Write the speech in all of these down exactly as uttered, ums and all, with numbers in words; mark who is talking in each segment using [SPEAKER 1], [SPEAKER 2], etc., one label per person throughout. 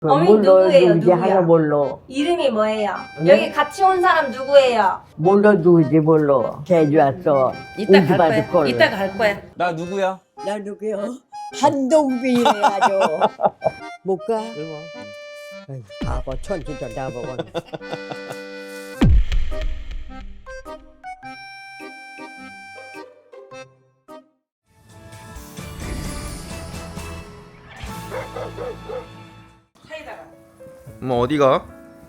[SPEAKER 1] 어머니
[SPEAKER 2] 몰라,
[SPEAKER 1] 누구예요?
[SPEAKER 2] 누군지
[SPEAKER 1] 누구야?
[SPEAKER 2] 하나 몰라.
[SPEAKER 1] 이름이 뭐예요?
[SPEAKER 2] 응?
[SPEAKER 1] 여기 같이 온 사람 누구예요?
[SPEAKER 2] 몰라 누구지 몰라. 제주 왔어.
[SPEAKER 3] 이따 갈
[SPEAKER 2] 받을
[SPEAKER 3] 거야.
[SPEAKER 2] 걸.
[SPEAKER 3] 이따 갈 거야.
[SPEAKER 4] 나 누구야?
[SPEAKER 5] 나 누구요? 한동빈이래 아주. 못 가? 아이고, 바보 천진도 나보고.
[SPEAKER 3] 차에다가.
[SPEAKER 4] 뭐 어디가?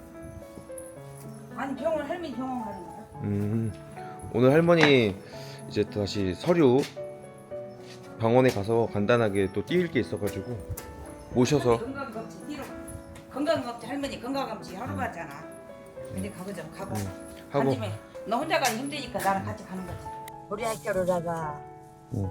[SPEAKER 3] 아니 병원 할머니 병원 가는 거야.
[SPEAKER 4] 음 오늘 할머니 이제 다시 서류 병원에 가서 간단하게 또 띄울 게 있어가지고 모셔서
[SPEAKER 3] 건강검진 뒤로. 건강검진 할머니 건강검진 하러 가잖아. 근데 가보자 가봐.
[SPEAKER 4] 하고
[SPEAKER 3] 간지매. 너 혼자 가기 힘드니까 나랑 같이 가는 거지.
[SPEAKER 5] 우리 학교로 나가.
[SPEAKER 4] 응.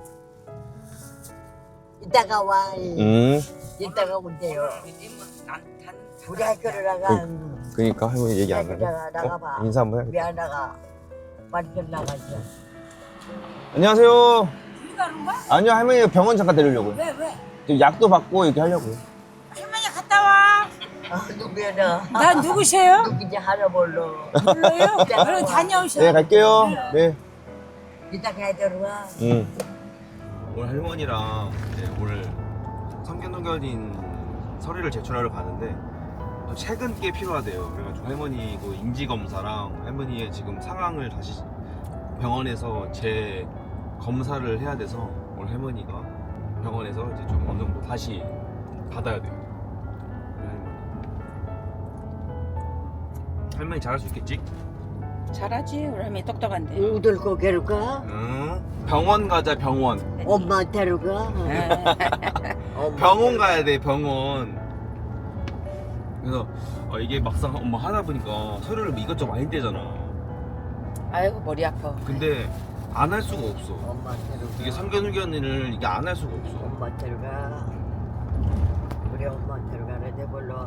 [SPEAKER 5] 이따가 와.
[SPEAKER 4] 음
[SPEAKER 5] 이따가 온대요.
[SPEAKER 3] 난
[SPEAKER 5] 우리 학교로 나가.
[SPEAKER 4] 그니까 할머니 얘기 안 하네.
[SPEAKER 5] 나가, 나가봐.
[SPEAKER 4] 어? 인사 한번 해.
[SPEAKER 5] 왜 안 나가? 빨리 좀 나가자.
[SPEAKER 4] 안녕하세요.
[SPEAKER 3] 둘이 가는 거야?
[SPEAKER 4] 아니요 할머니 병원 잠깐 데리려고요.
[SPEAKER 3] 왜 왜?
[SPEAKER 4] 지금 약도 받고 이렇게 하려고요.
[SPEAKER 3] 할머니 갔다 와.
[SPEAKER 5] 아, 누구야 나?
[SPEAKER 3] 나 누구세요?
[SPEAKER 5] 누군지 하나 몰라.
[SPEAKER 3] 몰라요? 그럼 다녀오셔.
[SPEAKER 4] 네 갈게요. 네.
[SPEAKER 5] 이따 가야 들어와.
[SPEAKER 4] 응. 오늘 할머니랑 이제 오늘 성견동견인 서류를 제출하러 가는데 또 최근 게 필요하대요. 그래가지고 할머니 그 인지 검사랑 할머니의 지금 상황을 다시 병원에서 재 검사를 해야 돼서 오늘 할머니가 병원에서 이제 좀 어느 정도 다시 받아야 돼요. 우리 할머니. 할머니 잘할 수 있겠지?
[SPEAKER 3] 잘하지 우리 할머니 똑똑한데.
[SPEAKER 5] 우들 고개로 가?
[SPEAKER 4] 응. 병원 가자 병원.
[SPEAKER 5] 엄마한테로 가? 엄마
[SPEAKER 4] 병원 가야 돼 병원. 그래서 어, 이게 막상 엄마 하다 보니까 서류를 이것저것 많이 떼잖아.
[SPEAKER 3] 아이고 머리 아파.
[SPEAKER 4] 근데 안 할 수가 없어.
[SPEAKER 5] 엄마한테로 가.
[SPEAKER 4] 이게 성견hu견을 이게 안 할 수가 없어.
[SPEAKER 5] 엄마한테로 가. 우리 엄마한테로 가는데 몰라.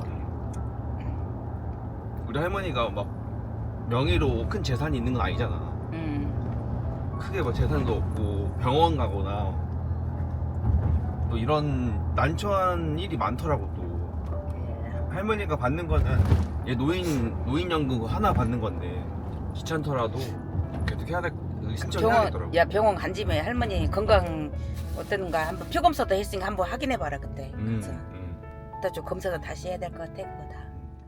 [SPEAKER 4] 우리 할머니가 막 명의로 큰 재산이 있는 건 아니잖아.
[SPEAKER 3] 음.
[SPEAKER 4] 크게 뭐 재산도 없고 병원 가거나 또 이런 난처한 일이 많더라고 또. 할머니가 받는 거는 얘 노인 노인연금 그거 하나 받는 건데 귀찮더라도 계속 해야 될 신청해야
[SPEAKER 3] 병원
[SPEAKER 4] 되더라고.
[SPEAKER 3] 야 병원 간 집에 할머니 건강 어떤가 한번 피 검사도 했으니까 한번 확인해 봐라 그때.
[SPEAKER 4] 음,
[SPEAKER 3] 그래서
[SPEAKER 4] 음.
[SPEAKER 3] 일단 좀 검사도 다시 해야 될 것 같아 그거 다.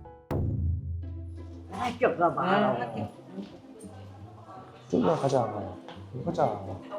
[SPEAKER 5] 학교 가봐.
[SPEAKER 4] 쭉 가자. 가자.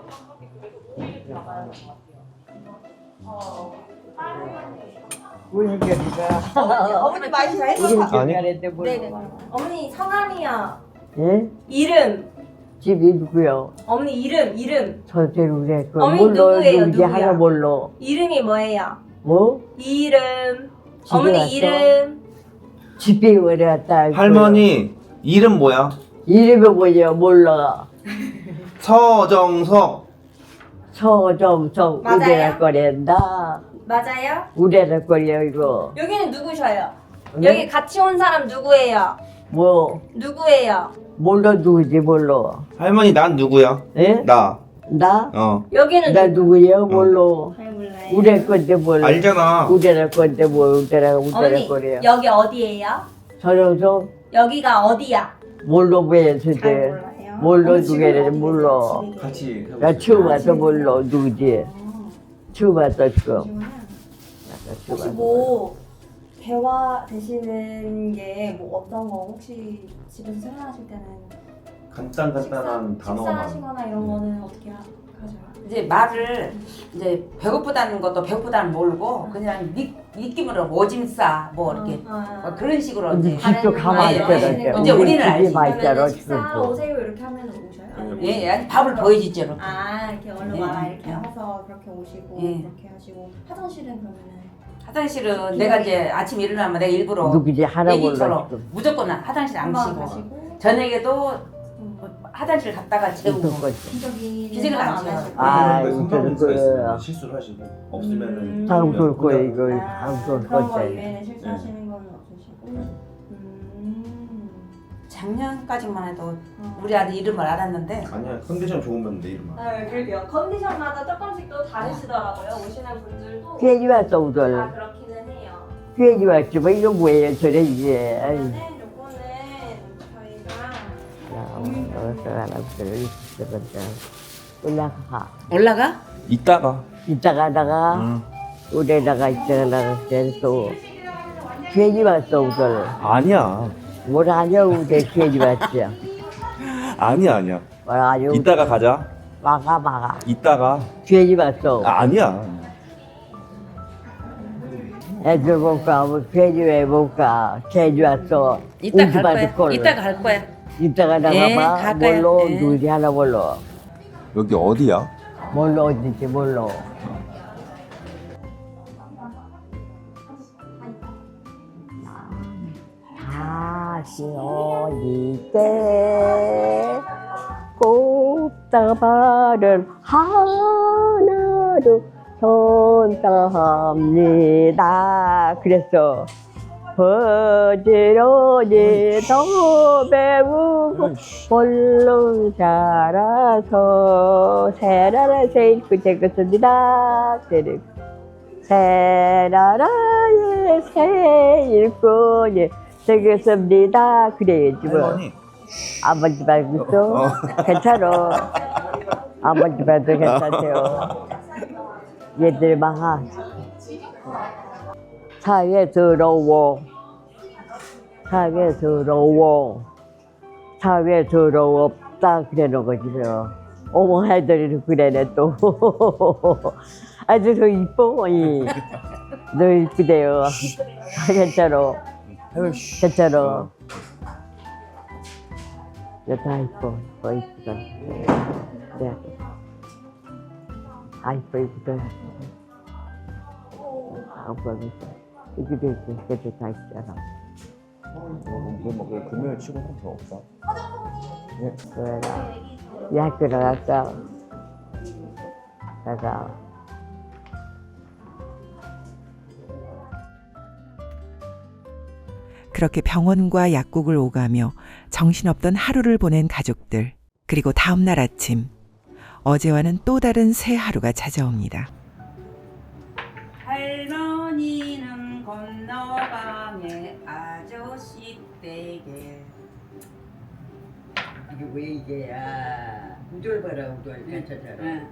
[SPEAKER 5] 우리 학교가.
[SPEAKER 1] 어머니 많이 잘
[SPEAKER 2] 우리
[SPEAKER 1] 했어.
[SPEAKER 4] 아니.
[SPEAKER 2] 가는데 몰라.
[SPEAKER 1] 네네. 어머니 성함이요.
[SPEAKER 2] 예?
[SPEAKER 1] 이름.
[SPEAKER 2] 집이 누구요?
[SPEAKER 1] 어머니 이름 이름.
[SPEAKER 2] 저대로 그래. 그
[SPEAKER 1] 어머니
[SPEAKER 2] 몰라
[SPEAKER 1] 누구예요,
[SPEAKER 2] 누군지
[SPEAKER 1] 누구야?
[SPEAKER 2] 하나 몰라.
[SPEAKER 1] 이름이 뭐예요?
[SPEAKER 2] 뭐?
[SPEAKER 1] 이름.
[SPEAKER 2] 집에
[SPEAKER 1] 어머니
[SPEAKER 2] 왔어?
[SPEAKER 1] 이름.
[SPEAKER 2] 집에 오래 왔다.
[SPEAKER 4] 할머니 이름 뭐야?
[SPEAKER 2] 이름이 뭐냐 몰라.
[SPEAKER 4] 서정석.
[SPEAKER 2] 서점성
[SPEAKER 1] 맞아요?
[SPEAKER 2] 우대라 거린다.
[SPEAKER 1] 맞아요?
[SPEAKER 2] 우대라 거려 이거.
[SPEAKER 1] 여기는 누구셔요?
[SPEAKER 2] 응?
[SPEAKER 1] 여기 같이 온 사람 누구예요?
[SPEAKER 2] 뭐
[SPEAKER 1] 누구예요?
[SPEAKER 2] 몰라 누구지 몰라.
[SPEAKER 4] 할머니 난 누구야?
[SPEAKER 2] 예?
[SPEAKER 4] 나.
[SPEAKER 2] 나?
[SPEAKER 4] 어.
[SPEAKER 1] 여기는
[SPEAKER 2] 나
[SPEAKER 1] 누구?
[SPEAKER 2] 누구야 몰라.
[SPEAKER 1] 잘 몰라요.
[SPEAKER 2] 우대 건데 몰라.
[SPEAKER 4] 알잖아.
[SPEAKER 2] 우대라 건데 뭐 우대라 우대라
[SPEAKER 1] 어머니
[SPEAKER 2] 거려.
[SPEAKER 1] 여기 어디예요?
[SPEAKER 2] 서점성
[SPEAKER 1] 여기가 어디야?
[SPEAKER 2] 몰라 왜
[SPEAKER 1] 잘
[SPEAKER 2] 주제.
[SPEAKER 1] 몰라요.
[SPEAKER 2] 몰라
[SPEAKER 1] 어머니 지금
[SPEAKER 2] 누구를
[SPEAKER 1] 어디
[SPEAKER 2] 몰라.
[SPEAKER 1] 계세요? 집에
[SPEAKER 4] 같이.
[SPEAKER 2] 나 처음 와서 몰라 누구지. 처음 왔어 지금.
[SPEAKER 1] 혹시 뭐 대화 되시는 게 뭐 어떤 거 혹시 집에서 생활하실 때는
[SPEAKER 4] 간단 간단한
[SPEAKER 1] 식사, 식사하시거나 이런 거는 어떻게 하, 하세요?
[SPEAKER 3] 이제 말을 이제 배고프다는 것도 배고프다는 모르고 그냥 느, 느낌으로 오짐싸 뭐 이렇게
[SPEAKER 1] 아,
[SPEAKER 3] 뭐 그런 식으로
[SPEAKER 2] 근데
[SPEAKER 3] 이제
[SPEAKER 2] 집도 가만히
[SPEAKER 3] 예,
[SPEAKER 2] 있잖아.
[SPEAKER 3] 예. 이제 우리는 알지.
[SPEAKER 2] 맛있잖아
[SPEAKER 1] 그러면 식사
[SPEAKER 2] 지금도.
[SPEAKER 1] 오세요 이렇게 하면 오셔요?
[SPEAKER 3] 예, 예, 밥을 보여주죠 이렇게.
[SPEAKER 1] 아 이렇게 얼른
[SPEAKER 3] 예,
[SPEAKER 1] 와라 이렇게
[SPEAKER 3] 예.
[SPEAKER 1] 해서 그렇게 오시고
[SPEAKER 3] 예.
[SPEAKER 1] 그렇게 하시고 화장실은 그러면은
[SPEAKER 3] 화장실은 내가 이제 아침 일어나면 내가 일부러
[SPEAKER 2] 누구지 하나 몰라
[SPEAKER 3] 얘기처럼
[SPEAKER 2] 지금.
[SPEAKER 3] 무조건 화장실 안
[SPEAKER 1] 한번
[SPEAKER 3] 가시고
[SPEAKER 1] 가시고
[SPEAKER 3] 저녁에도
[SPEAKER 1] 음.
[SPEAKER 3] 화장실 갔다가 재우고
[SPEAKER 2] 무슨 거지?
[SPEAKER 1] 기저귀는
[SPEAKER 3] 기저귀는 안
[SPEAKER 1] 안
[SPEAKER 3] 채워요.
[SPEAKER 1] 하시고
[SPEAKER 2] 아,
[SPEAKER 4] 네,
[SPEAKER 2] 이거는 그
[SPEAKER 4] 실수를 하시고
[SPEAKER 1] 음.
[SPEAKER 2] 다음 볼 거야 이거
[SPEAKER 1] 아,
[SPEAKER 2] 다음 볼
[SPEAKER 1] 그런 거
[SPEAKER 2] 거야.
[SPEAKER 1] 이외에는 실수하시는 건 없으시고 음.
[SPEAKER 3] 작년까지만 해도
[SPEAKER 1] 어.
[SPEAKER 3] 우리 아들 이름을 알았는데
[SPEAKER 4] 아니야 컨디션 좋으면 내 이름 알아.
[SPEAKER 1] 네, 그러게요. 컨디션마다 조금씩 또 다르시더라고요. 오시는 분들도
[SPEAKER 2] 괜히 왔어
[SPEAKER 1] 다
[SPEAKER 2] 우들.
[SPEAKER 1] 그렇기는 해요.
[SPEAKER 2] 괜히 왔지 뭐 이거 뭐예요 저래 이게. 아이.
[SPEAKER 1] 네, 요거는 저희가
[SPEAKER 2] 여기서 하나부터를 있었거든. 올라가.
[SPEAKER 3] 올라가?
[SPEAKER 4] 이따가.
[SPEAKER 2] 이따가다가
[SPEAKER 4] 응.
[SPEAKER 2] 우리다가 이따가다가 또 괜히 왔어 우선.
[SPEAKER 4] 아니야.
[SPEAKER 2] 뭘 하냐 우리 괜히 왔지.
[SPEAKER 4] 아니야 아니야.
[SPEAKER 2] 뭘 하냐.
[SPEAKER 4] 이따가 가자.
[SPEAKER 2] 막아 막아.
[SPEAKER 4] 이따가.
[SPEAKER 2] 괜히 왔어.
[SPEAKER 4] 아, 아니야.
[SPEAKER 2] 애들 볼까 뭐 괜히 왜 볼까. 괜히 왔어.
[SPEAKER 3] 이따 갈
[SPEAKER 2] 우주바지
[SPEAKER 3] 거야.
[SPEAKER 2] 꼴로.
[SPEAKER 3] 이따 갈 거야.
[SPEAKER 2] 이따가다가
[SPEAKER 3] 예,
[SPEAKER 2] 봐.
[SPEAKER 3] 갈 거야.
[SPEAKER 2] 뭘로
[SPEAKER 3] 예.
[SPEAKER 2] 누구지 하나 뭘로.
[SPEAKER 4] 여기 어디야?
[SPEAKER 2] 뭘로 어딘지 뭘로. 다시 어디 때 꽃다발을 하나로 손담니다. 그랬어. 부지런히 더 배우고 볼로 자라서 세라라 세일구 제것입니다. 세라라의 세일구에 되겠습니다. 그래야지 뭐.
[SPEAKER 4] 할머니.
[SPEAKER 2] 아버지 말고 또
[SPEAKER 4] 어.
[SPEAKER 2] 괜찮아. 아버지 말도 괜찮대요. 얘들 막 사회스러워. 사회스러워. 사회스러웠다 그러는 거지 뭐. 어머 애들이 그래네 또. 아주 더 이뻐. 이. 너 이쁘대요. 아, 괜찮아. 괜찮아. 다 이뻐. 더 이쁘다. 네. 아 이뻐 이쁘다. 아 오빠 이쁘다. 이렇게 이렇게 이렇게 다 있잖아.
[SPEAKER 4] 이거 뭐 금요일 치고 좀 더 없다.
[SPEAKER 2] 그래. 이 학교 나갔어. 나가.
[SPEAKER 6] 그렇게 병원과 약국을 오가며 정신없던 하루를 보낸 가족들. 그리고 다음 날 아침 어제와는 또 다른 새 하루가 찾아옵니다.
[SPEAKER 3] 할머니는 건너방에 아저씨 댁에.
[SPEAKER 5] 이게 왜 이게야? 우절 봐라 우절 괜찮잖아.
[SPEAKER 3] 응.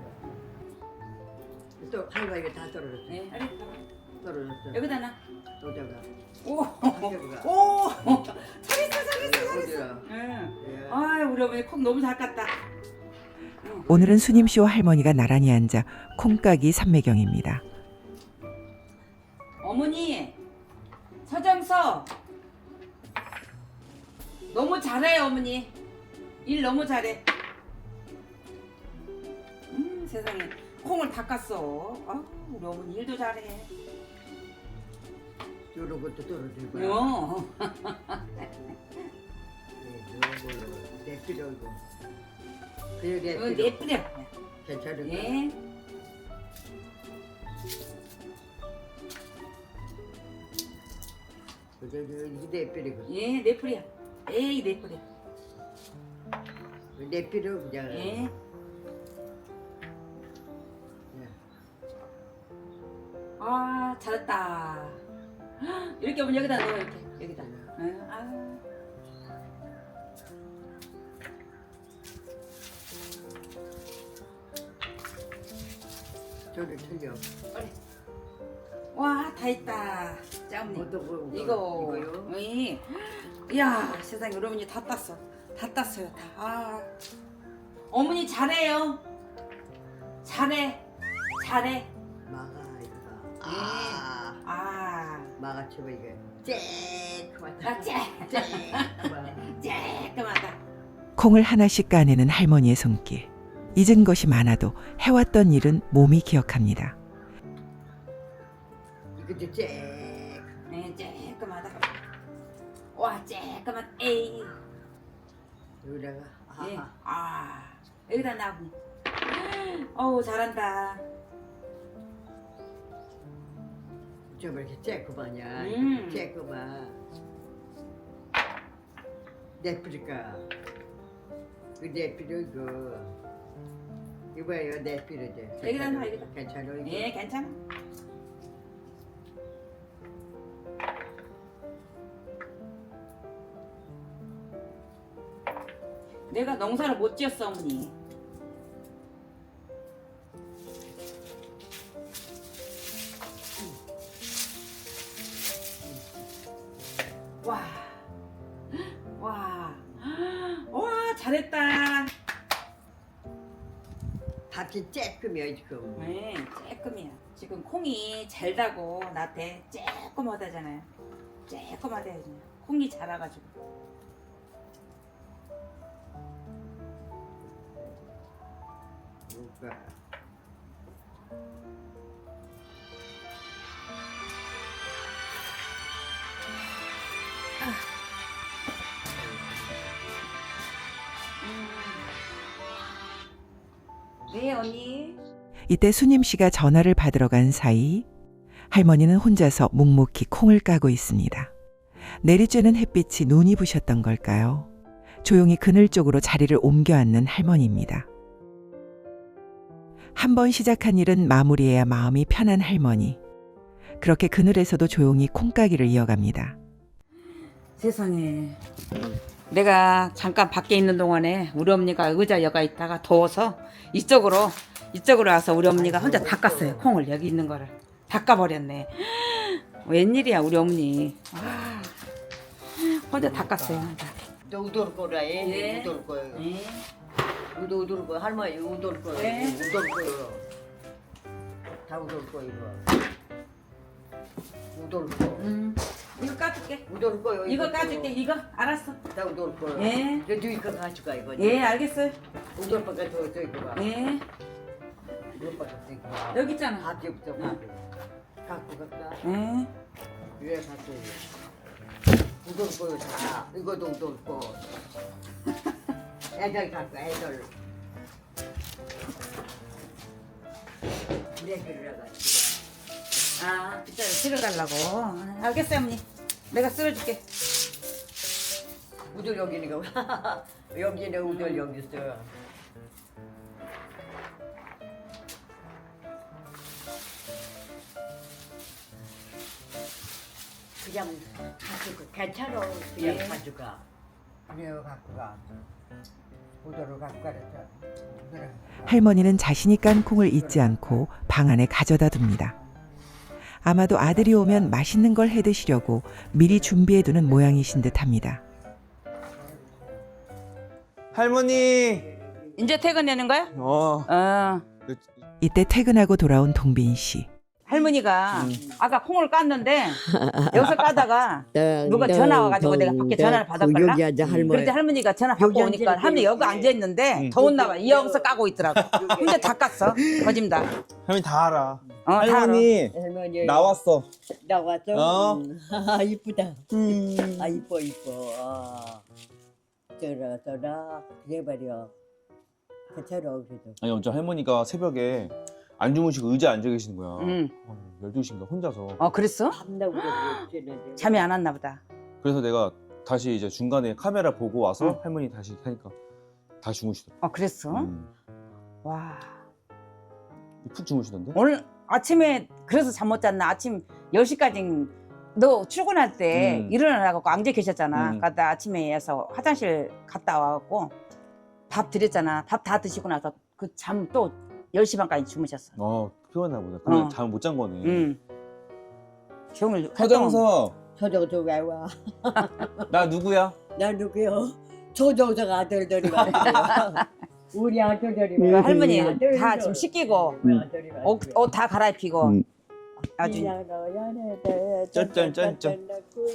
[SPEAKER 5] 또 칼과 이거 다 떨어졌어.
[SPEAKER 3] 네, 알겠어.
[SPEAKER 5] 떨어졌어.
[SPEAKER 3] 여기다 놔.
[SPEAKER 5] 또다가
[SPEAKER 3] 오,
[SPEAKER 5] 한겨울가.
[SPEAKER 3] 오, 잘했어, 잘했어,
[SPEAKER 5] 어디야?
[SPEAKER 3] 잘했어. 응.
[SPEAKER 5] 예.
[SPEAKER 3] 아, 우리 어머니 콩 너무 잘 깠다.
[SPEAKER 6] 오늘은 수님 씨와 할머니가 나란히 앉아 콩까기 삼매경입니다.
[SPEAKER 3] 어머니, 서정서. 너무 잘해, 어머니. 일 너무 잘해. 음, 세상에. 콩을 다 깠어. 아, 우리 어머니 일도 잘해.
[SPEAKER 5] 요런 것도 떨어지고.
[SPEAKER 3] 요.
[SPEAKER 5] 내 필요 이거. 그래 내
[SPEAKER 3] 어,
[SPEAKER 5] 필요.
[SPEAKER 3] 예쁘려.
[SPEAKER 5] 괜찮은 거.
[SPEAKER 3] 예.
[SPEAKER 5] 그래 이게 내 필요고.
[SPEAKER 3] 예, 내 뿌리야. 에이, 내 뿌리야.
[SPEAKER 5] 내 필요 그냥.
[SPEAKER 3] 예.
[SPEAKER 5] 예.
[SPEAKER 3] 아, 잘했다. 이렇게 오면 여기다 넣어, 이렇게. 여기다. 응, 아.
[SPEAKER 5] 저를 틀려.
[SPEAKER 3] 와, 다 있다. 짱님.
[SPEAKER 5] 어떤 거?
[SPEAKER 3] 이거.
[SPEAKER 5] 이거요?
[SPEAKER 3] 이. 이야, 세상에, 우리 어머니 다 땄어. 다 땄어요, 다. 아. 어머니 잘해요. 잘해. 잘해.
[SPEAKER 5] 막아 이거.
[SPEAKER 3] 아. 아.
[SPEAKER 5] 막아 쳐봐 이게. 쨍그만.
[SPEAKER 3] 아, 쨍.
[SPEAKER 5] 쨍그만.
[SPEAKER 3] 쨍끔하다.
[SPEAKER 6] 콩을 하나씩 까내는 할머니의 손길. 잊은 것이 많아도 해왔던 일은 몸이 기억합니다.
[SPEAKER 5] 이것도 쨍.
[SPEAKER 3] 네, 쨍끔하다. 와, 쨍끔한 에이.
[SPEAKER 5] 여기다가.
[SPEAKER 3] 예.
[SPEAKER 5] 아하.
[SPEAKER 3] 아, 여기다 놔보. 어우, 잘한다.
[SPEAKER 5] 좀 이렇게 쨍그만이야.
[SPEAKER 3] 음.
[SPEAKER 5] 쨍그만. 내 필요가. 그내 필요 이거. 이거예요 내 필요지.
[SPEAKER 3] 여기다 놔, 여기다.
[SPEAKER 5] 괜찮아 이거.
[SPEAKER 3] 예, 괜찮아. 내가 농사를 못 지었어 어머니. 와, 와, 와 잘했다.
[SPEAKER 5] 밭이 쬐끔이야 지금.
[SPEAKER 3] 네, 쬐끔이야. 지금 콩이 잘 다고 나한테 쬐끔하다잖아요. 쬐끔하대요. 콩이 자라가지고.
[SPEAKER 5] 뭐가?
[SPEAKER 3] 네 언니.
[SPEAKER 6] 이때 수님 씨가 전화를 받으러 간 사이 할머니는 혼자서 묵묵히 콩을 까고 있습니다. 내리쬐는 햇빛이 눈이 부셨던 걸까요? 조용히 그늘 쪽으로 자리를 옮겨 앉는 할머니입니다. 한 번 시작한 일은 마무리해야 마음이 편한 할머니. 그렇게 그늘에서도 조용히 콩까기를 이어갑니다.
[SPEAKER 3] 세상에. 내가 잠깐 밖에 있는 동안에 우리 어머니가 의자 여가 있다가 더워서 이쪽으로 이쪽으로 와서 우리 어머니가 혼자 닦았어요. 콩을 여기 있는 거를 닦아버렸네. 웬일이야 우리 어머니. 와, 혼자 닦았어요.
[SPEAKER 5] 너 우돌 거라 해.
[SPEAKER 3] 예.
[SPEAKER 5] 우돌 거요.
[SPEAKER 3] 네.
[SPEAKER 5] 우도 우돌 거 할머니 우돌 거요.
[SPEAKER 3] 네.
[SPEAKER 5] 우돌 거요. 다 우돌 거 이거. 우돌 거.
[SPEAKER 3] 음, 이거 까줄게.
[SPEAKER 5] 우돌 거요.
[SPEAKER 3] 이거 까줄게. 이거 알았어.
[SPEAKER 5] 다 우돌 거요.
[SPEAKER 3] 예.
[SPEAKER 5] 저 뒤에 거 가져가 이거.
[SPEAKER 3] 예, 알겠어요.
[SPEAKER 5] 우돌 거가 저 저기 봐.
[SPEAKER 3] 예,
[SPEAKER 5] 우돌 거가 저기 봐.
[SPEAKER 3] 여기 있잖아.
[SPEAKER 5] 밭이 없어 밭이. 갖고 갈까?
[SPEAKER 3] 예.
[SPEAKER 5] 왜 갖고 우돌 거요 다. 이거도 우돌 거. 애들 갖고 애들. 내 그러라 가지고.
[SPEAKER 3] 아, 빗자루 실어달라고. 아, 알겠어요, 어머니. 내가 쓸어줄게.
[SPEAKER 5] 우돌 여기 있는 거. 여기는 우돌 여기 있어. 그냥 가지고 괜찮아. 그냥
[SPEAKER 3] 예.
[SPEAKER 5] 가져가. 그래요 갖고 가. 우돌을 갖고 가랬죠. 그래.
[SPEAKER 6] 할머니는 자신이 깐 콩을 잊지 않고 방 안에 가져다 둡니다. 아마도 아들이 오면 맛있는 걸 해드시려고 미리 준비해두는 모양이신 듯합니다.
[SPEAKER 4] 할머니.
[SPEAKER 3] 이제 퇴근하는 거야?
[SPEAKER 4] 어.
[SPEAKER 3] 어.
[SPEAKER 6] 이때 퇴근하고 돌아온 동빈 씨.
[SPEAKER 3] 할머니가 아까 콩을 깠는데 여기서 까다가 누가 전화 와가지고 내가 밖에 전화를 받았걸라.
[SPEAKER 5] 여기 앉아 할머니.
[SPEAKER 3] 그런데 할머니가 전화 받고
[SPEAKER 5] 여기
[SPEAKER 3] 오니까
[SPEAKER 5] 앉아
[SPEAKER 3] 할머니 여기 앉아있는데
[SPEAKER 4] 응.
[SPEAKER 3] 더웠나 봐. 여기서 까고 있더라고. 근데 다 깠어. 거짓다.
[SPEAKER 4] 할머니 다 알아.
[SPEAKER 3] 어, 다 알아.
[SPEAKER 4] 할머니
[SPEAKER 5] 할머니
[SPEAKER 4] 나왔어.
[SPEAKER 5] 나왔어.
[SPEAKER 4] 어?
[SPEAKER 5] 음. 아 이쁘다. 아 이뻐 이뻐. 아. 저라 저라 그래 버려. 괜찮아 그래도.
[SPEAKER 4] 아니 어제 할머니가 새벽에 안 주무시고 의자에 앉아 계시는 거야.
[SPEAKER 3] 응.
[SPEAKER 4] 열두 시인가 혼자서.
[SPEAKER 3] 어, 그랬어?
[SPEAKER 5] 밤나고 그랬지.
[SPEAKER 3] 잠이 안 왔나 보다.
[SPEAKER 4] 그래서 내가 다시 이제 중간에 카메라 보고 와서
[SPEAKER 3] 응.
[SPEAKER 4] 할머니 다시 하니까 다 주무시더라고.
[SPEAKER 3] 어, 그랬어?
[SPEAKER 4] 음.
[SPEAKER 3] 와.
[SPEAKER 4] 푹 주무시던데?
[SPEAKER 3] 오늘 아침에 그래서 잠 못 잤나? 아침 열 시까지 너 출근할 때
[SPEAKER 4] 음.
[SPEAKER 3] 일어나라고 앉아 계셨잖아.
[SPEAKER 4] 음.
[SPEAKER 3] 갔다 아침에 와서 화장실 갔다 와갖고 밥 드렸잖아. 밥 다 드시고 나서 그 잠 또 열 시 반까지 주무셨어.
[SPEAKER 4] 어 피곤했나 보다. 그러면
[SPEAKER 3] 어.
[SPEAKER 4] 잠을 못 잔 거네.
[SPEAKER 3] 응. 종일
[SPEAKER 4] 서정석
[SPEAKER 5] 저저저 왜 와?
[SPEAKER 4] 나 누구야?
[SPEAKER 5] 나 누구요? 저저저 아들들이 왔어요. 우리 아들들이
[SPEAKER 3] 그
[SPEAKER 5] 왔어요.
[SPEAKER 3] 할머니
[SPEAKER 5] 아들들.
[SPEAKER 3] 다 지금 씻기고
[SPEAKER 5] 우리 아들이 왔어요.
[SPEAKER 3] 옷 다 갈아입히고
[SPEAKER 4] 음.
[SPEAKER 3] 아주
[SPEAKER 4] 짠짠짠짠.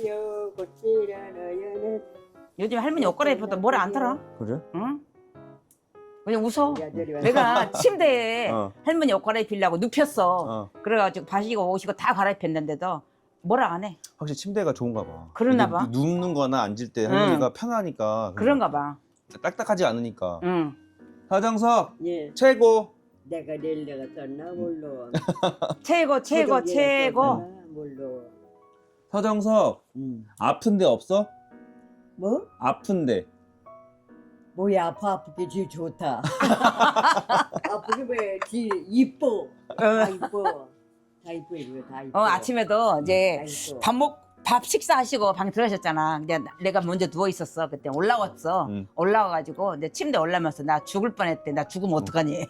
[SPEAKER 3] 요즘 할머니 옷 갈아입혀도 뭐라 안 들어.
[SPEAKER 4] 그래?
[SPEAKER 3] 응? 그냥 웃어.
[SPEAKER 5] 우리 아들이 왔어요.
[SPEAKER 3] 내가 침대에
[SPEAKER 4] 어.
[SPEAKER 3] 할머니 옷 갈아입히려고 눕혔어.
[SPEAKER 4] 어.
[SPEAKER 3] 그래가지고 바시고 오시고 다 갈아입혔는데도 뭐라 안 해.
[SPEAKER 4] 확실히 침대가 좋은가 봐.
[SPEAKER 3] 그러나
[SPEAKER 4] 누-
[SPEAKER 3] 봐.
[SPEAKER 4] 눕는 거나 앉을 때 할머니가 편하니까.
[SPEAKER 3] 그런가 봐.
[SPEAKER 4] 딱딱하지 않으니까.
[SPEAKER 3] 응.
[SPEAKER 4] 서정석
[SPEAKER 5] 예,
[SPEAKER 4] 최고.
[SPEAKER 5] 내가 내일 내가 썼나 몰라.
[SPEAKER 3] 최고 최고 최고.
[SPEAKER 5] 몰라.
[SPEAKER 4] 서정석
[SPEAKER 5] 음.
[SPEAKER 4] 아픈데 없어?
[SPEAKER 5] 뭐?
[SPEAKER 4] 아픈데.
[SPEAKER 5] 뭐야 아파 아프게 지 좋다. 아프게 왜지 이뻐. 다 이뻐. 다 이뻐 이거 다 이뻐.
[SPEAKER 3] 어 아침에도 이제
[SPEAKER 5] 다 이뻐.
[SPEAKER 3] 밥 먹 밥 식사하시고 방 들어가셨잖아. 근데 나- 내가 먼저 누워 있었어. 그때 올라왔어.
[SPEAKER 4] 응.
[SPEAKER 3] 올라와가지고 내 침대 올라면서 나 죽을 뻔했대. 나 죽으면 어떡하니?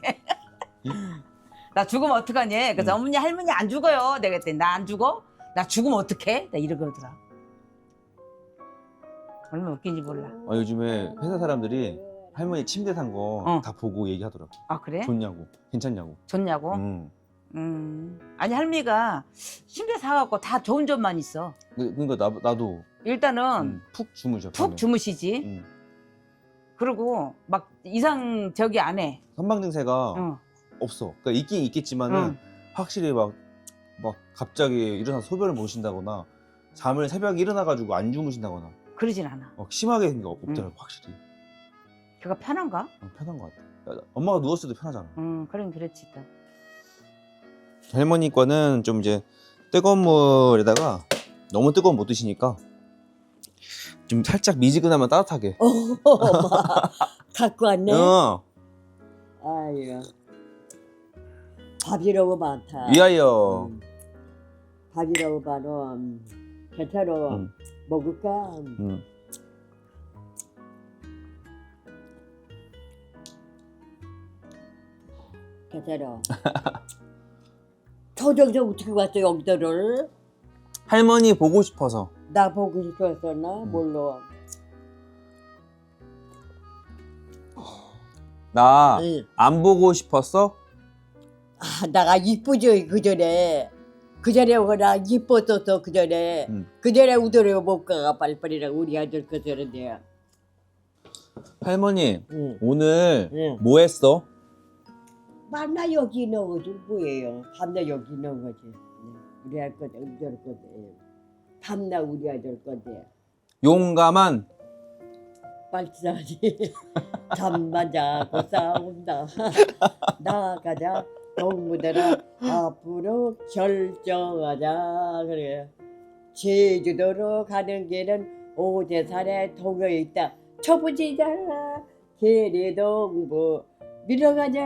[SPEAKER 3] 나 죽으면 어떡하니? 그래서
[SPEAKER 4] 응.
[SPEAKER 3] 어머니 할머니 안 죽어요. 내가 그랬더니 나 안 죽어? 나 죽으면 어떡해? 나 이러더라. 얼마나 웃긴지 몰라.
[SPEAKER 4] 아, 요즘에 회사 사람들이 할머니 침대 산 거 다
[SPEAKER 3] 어.
[SPEAKER 4] 보고 얘기하더라고.
[SPEAKER 3] 아 그래?
[SPEAKER 4] 좋냐고, 괜찮냐고.
[SPEAKER 3] 좋냐고?
[SPEAKER 4] 음.
[SPEAKER 3] 음. 아니 할미가 침대 사갖고 다 좋은 점만 있어.
[SPEAKER 4] 그- 그러니까 나, 나도
[SPEAKER 3] 일단은
[SPEAKER 4] 음, 푹 주무셔.
[SPEAKER 3] 푹
[SPEAKER 4] 밤에.
[SPEAKER 3] 주무시지.
[SPEAKER 4] 음.
[SPEAKER 3] 그리고 막 이상 저기 안 해.
[SPEAKER 4] 선방 증세가
[SPEAKER 3] 응.
[SPEAKER 4] 없어. 그러니까 있긴 있겠지만은
[SPEAKER 3] 응.
[SPEAKER 4] 확실히 막, 막 갑자기 일어나서 소변을 못 쉰다거나 잠을 새벽에 일어나가지고 안 주무신다거나
[SPEAKER 3] 그러진 않아.
[SPEAKER 4] 막 심하게 그런 게 없더라고.
[SPEAKER 3] 응.
[SPEAKER 4] 확실히
[SPEAKER 3] 걔가 편한가?
[SPEAKER 4] 어, 편한 것 같아. 야, 엄마가 누웠을 때도 편하잖아.
[SPEAKER 3] 음, 그럼 그렇지 또.
[SPEAKER 4] 할머니 거는 좀 이제 뜨거운 물에다가 너무 뜨거운 못 드시니까 좀 살짝 미지근하면 따뜻하게.
[SPEAKER 5] 어, 엄마 갖고 왔네.
[SPEAKER 4] 어,
[SPEAKER 5] 아유, 밥이라고 많다.
[SPEAKER 4] 위하여.
[SPEAKER 5] 음. 밥이라고 많어. 괜찮아.
[SPEAKER 4] 음.
[SPEAKER 5] 먹을까?
[SPEAKER 4] 음.
[SPEAKER 5] 괜찮아. 초정서 어떻게 왔어 여기들을?
[SPEAKER 4] 할머니 보고 싶어서.
[SPEAKER 5] 나 보고 싶었었나?
[SPEAKER 4] 음.
[SPEAKER 5] 몰라.
[SPEAKER 4] 나 안
[SPEAKER 5] 응.
[SPEAKER 4] 보고 싶었어?
[SPEAKER 5] 아, 나가 이쁘죠 그 전에. 그 전에 나 이뻤었어 그 전에.
[SPEAKER 4] 음.
[SPEAKER 5] 그 전에 우도를 못 가가 빨리빨리라고 우리 아들 그 전에.
[SPEAKER 4] 할머니
[SPEAKER 5] 응.
[SPEAKER 4] 오늘
[SPEAKER 5] 응.
[SPEAKER 4] 뭐 했어?
[SPEAKER 5] 만나 여기 있는 거지 뭐예요? 밤나 여기 있는 거지. 우리 할 건데 우리 할 건데. 밤나 우리 아들 건데.
[SPEAKER 4] 용감한
[SPEAKER 5] 빨리자지. 잠만 자고 싸운다. 나가자. 동무들아 앞으로 결정하자. 그래. 제주도로 가는 길은 오대산에 동여 있다. 쳐부지자 계리동부 밀어가자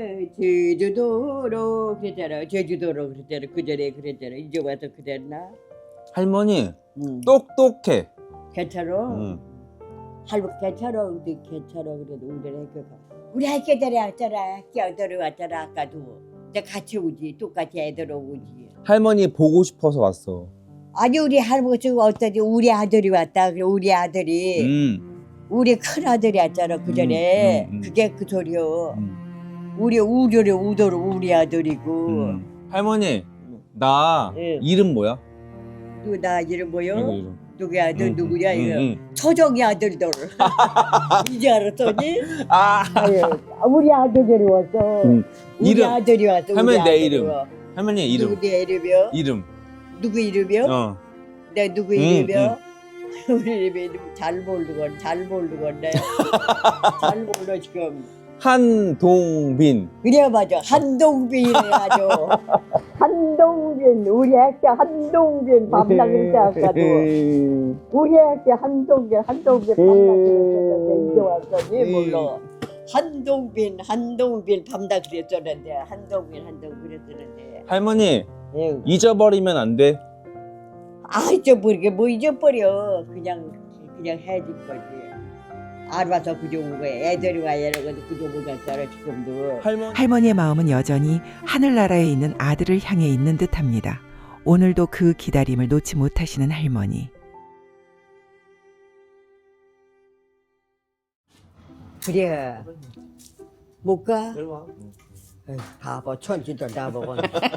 [SPEAKER 5] 제주도로 그랬잖아. 제주도로 그랬잖아. 그 전에 그랬잖아. 이제 와서 그랬나?
[SPEAKER 4] 할머니
[SPEAKER 5] 응.
[SPEAKER 4] 똑똑해.
[SPEAKER 5] 괜찮아.
[SPEAKER 4] 응.
[SPEAKER 5] 할머니 괜찮아. 우리 괜찮아. 그래도 우리 애교가. 우리 학교들이 왔잖아. 학교들이 왔잖아. 아까도. 이제 같이 오지. 똑같이 애들 오지.
[SPEAKER 4] 할머니 보고 싶어서 왔어.
[SPEAKER 5] 아니 우리 할머니가 어떠지? 우리 아들이 왔다. 그래 우리 아들이.
[SPEAKER 4] 음.
[SPEAKER 5] 우리 큰 아들이 왔잖아. 그 전에.
[SPEAKER 4] 음, 음, 음.
[SPEAKER 5] 그게 그 소리요.
[SPEAKER 4] 음.
[SPEAKER 5] 우리 우려를 우도를 우리 아들이고.
[SPEAKER 4] 음. 할머니 나
[SPEAKER 5] 응.
[SPEAKER 4] 이름 뭐야?
[SPEAKER 5] 누구 나 이름 뭐요?
[SPEAKER 4] 이거 이름.
[SPEAKER 5] 누구 아들
[SPEAKER 4] 응,
[SPEAKER 5] 누구야
[SPEAKER 4] 응,
[SPEAKER 5] 이거?
[SPEAKER 4] 응.
[SPEAKER 5] 초정이 아들들. 이제 알았더니?
[SPEAKER 4] 아
[SPEAKER 5] 아유, 우리 아들들이 왔어.
[SPEAKER 4] 응.
[SPEAKER 5] 우리
[SPEAKER 4] 이름.
[SPEAKER 5] 아들이 왔어.
[SPEAKER 4] 할머니
[SPEAKER 5] 우리
[SPEAKER 4] 내
[SPEAKER 5] 아들이
[SPEAKER 4] 이름.
[SPEAKER 5] 와.
[SPEAKER 4] 할머니 이름.
[SPEAKER 5] 누구 내 이름이요?
[SPEAKER 4] 이름.
[SPEAKER 5] 누구 이름이요?
[SPEAKER 4] 어.
[SPEAKER 5] 내 누구
[SPEAKER 4] 응,
[SPEAKER 5] 이름이요? 우리 이름 잘 모르건 잘 모르건데 잘 몰라 지금.
[SPEAKER 4] 한동빈.
[SPEAKER 5] 그래 맞아 한동빈이래 아주. 한동빈 우리 학교 한동빈 밤나길 때 아까도 우리 학교 한동빈 한동빈 밤나길 이제 왔더니 몰라. 한동빈 한동빈 밤나 그랬었는데 한동빈 한동빈 그랬었는데.
[SPEAKER 4] 할머니
[SPEAKER 5] 응.
[SPEAKER 4] 잊어버리면 안 돼.
[SPEAKER 5] 아 잊어버리게 뭐 잊어버려. 그냥 그냥 해줄 거지. 알아서 그저 온 거야. 애들이 와야 이러고 그저 온 거잖아 지금도.
[SPEAKER 4] 할머니.
[SPEAKER 6] 할머니의 마음은 여전히 하늘나라에 있는 아들을 향해 있는 듯합니다. 오늘도 그 기다림을 놓지 못하시는 할머니.
[SPEAKER 5] 그래. 못 가?
[SPEAKER 4] 이리 와.
[SPEAKER 5] 에이, 바보 천지도 나보고.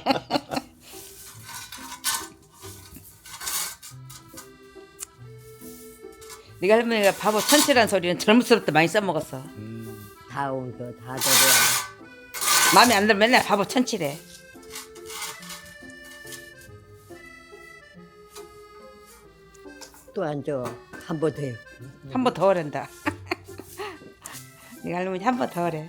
[SPEAKER 3] 네가 할머니가 바보 천치란 소리는 젊을수록 많이 써먹었어.
[SPEAKER 5] 다 온거 다 저래.
[SPEAKER 3] 마음에 안 들면 맨날 바보 천치래.
[SPEAKER 5] 또 앉아. 한 번 더 해.
[SPEAKER 3] 한 번 더 하란다. 네가 할머니 한 번 더 하래.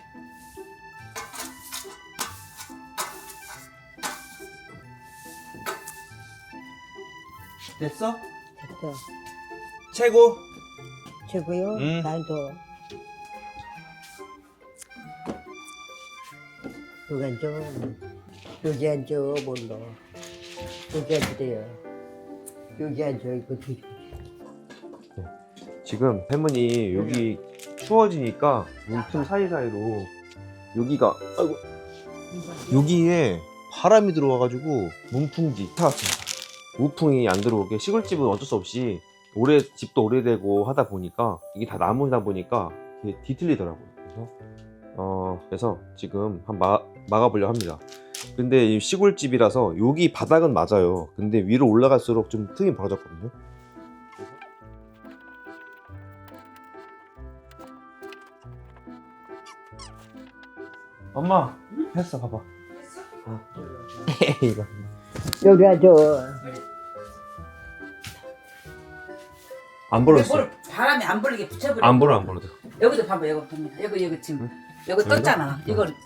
[SPEAKER 4] 됐어?
[SPEAKER 5] 됐어.
[SPEAKER 4] 최고.
[SPEAKER 5] 최고요.
[SPEAKER 4] 음.
[SPEAKER 5] 난도. 여기 앉아. 여기 앉아. 몰라. 여기 앉으래요. 여기 앉아있고
[SPEAKER 4] 지금 할머니 여기 추워지니까 문틈 사이사이로 여기가 아이고 여기에 바람이 들어와가지고 문풍지 타왔습니다. 우풍이 안 들어오게 시골집은 어쩔 수 없이 오래 집도 오래되고 하다 보니까 이게 다 나무다 보니까 이게 뒤틀리더라고요. 그래서 어 그래서 지금 한 마, 막아보려고 합니다. 근데 이 시골집이라서 여기 바닥은 맞아요. 근데 위로 올라갈수록 좀 틈이 벌어졌거든요. 엄마 했어 봐봐. 어. 이거
[SPEAKER 5] 여기 앉아.
[SPEAKER 4] 안 불었어.
[SPEAKER 3] 뭘 바람이 안 불리게 붙여버려.
[SPEAKER 4] 안 불어 안 불어도.
[SPEAKER 3] 여기도 봐봐, 여기 봅니다. 여기 여기 지금
[SPEAKER 4] 응?
[SPEAKER 3] 여기
[SPEAKER 4] 여기다?
[SPEAKER 3] 떴잖아.
[SPEAKER 4] 응.
[SPEAKER 3] 이걸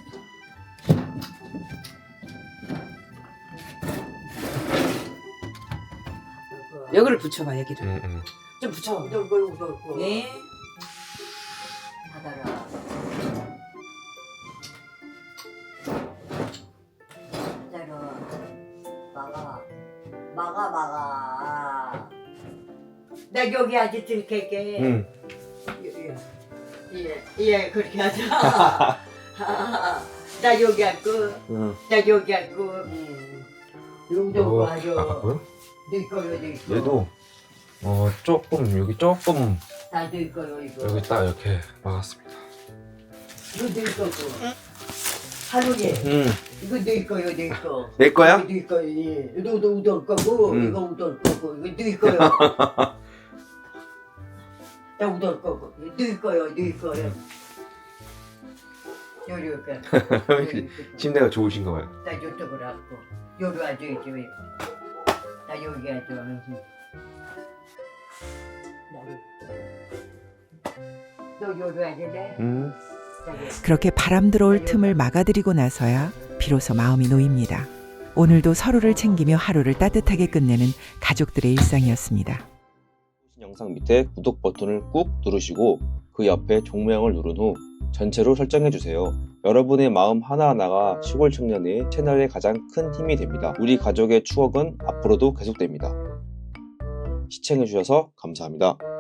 [SPEAKER 3] 여기를 붙여봐, 여기를
[SPEAKER 4] 응, 응.
[SPEAKER 3] 좀 붙여봐.
[SPEAKER 5] 이거 이거 이거.
[SPEAKER 3] 예.
[SPEAKER 5] 받아라. 받아라. 막아. 막아 막아. 나 여기 아직 들킬게.
[SPEAKER 4] 응.
[SPEAKER 5] 예, 예, 그렇게 하자. 나 여기 앉고,
[SPEAKER 4] 응.
[SPEAKER 5] 나 여기 앉고, 음. 용돈
[SPEAKER 4] 아,
[SPEAKER 5] 가져.
[SPEAKER 4] 바꿔요?
[SPEAKER 5] 네 거요, 네 거.
[SPEAKER 4] 얘도 어 조금 여기 조금
[SPEAKER 5] 다네 거요, 이거.
[SPEAKER 4] 여기 딱 이렇게 막았습니다.
[SPEAKER 5] 이거 네 거고. 하루에
[SPEAKER 4] 응.
[SPEAKER 5] 이거 네 거요, 네 거.
[SPEAKER 4] 내 거야?
[SPEAKER 5] 이거 네 거요, 예. 이거도 우동 거고,
[SPEAKER 4] 응.
[SPEAKER 5] 이거 우동 거고, 이거 네 거요. 나 우동 거고, 이거 네 거요, 네 거요. 요리가.
[SPEAKER 4] 침대가 좋으신가 봐요.
[SPEAKER 5] 나 이쪽으로 앉고 여기 앉아있지 왜? 나 여기 앉아. 너 여기 앉을래?
[SPEAKER 4] 응.
[SPEAKER 6] 그렇게 바람 들어올 틈을 막아드리고 나서야 비로소 마음이 놓입니다. 오늘도 서로를 챙기며 하루를 따뜻하게 끝내는 가족들의 일상이었습니다.
[SPEAKER 4] 영상 밑에 구독 버튼을 꾹 누르시고 그 옆에 종모양을 누른 후 전체로 설정해 주세요. 여러분의 마음 하나하나가 시골 청년의 채널의 가장 큰 힘이 됩니다. 우리 가족의 추억은 앞으로도 계속됩니다. 시청해 주셔서 감사합니다.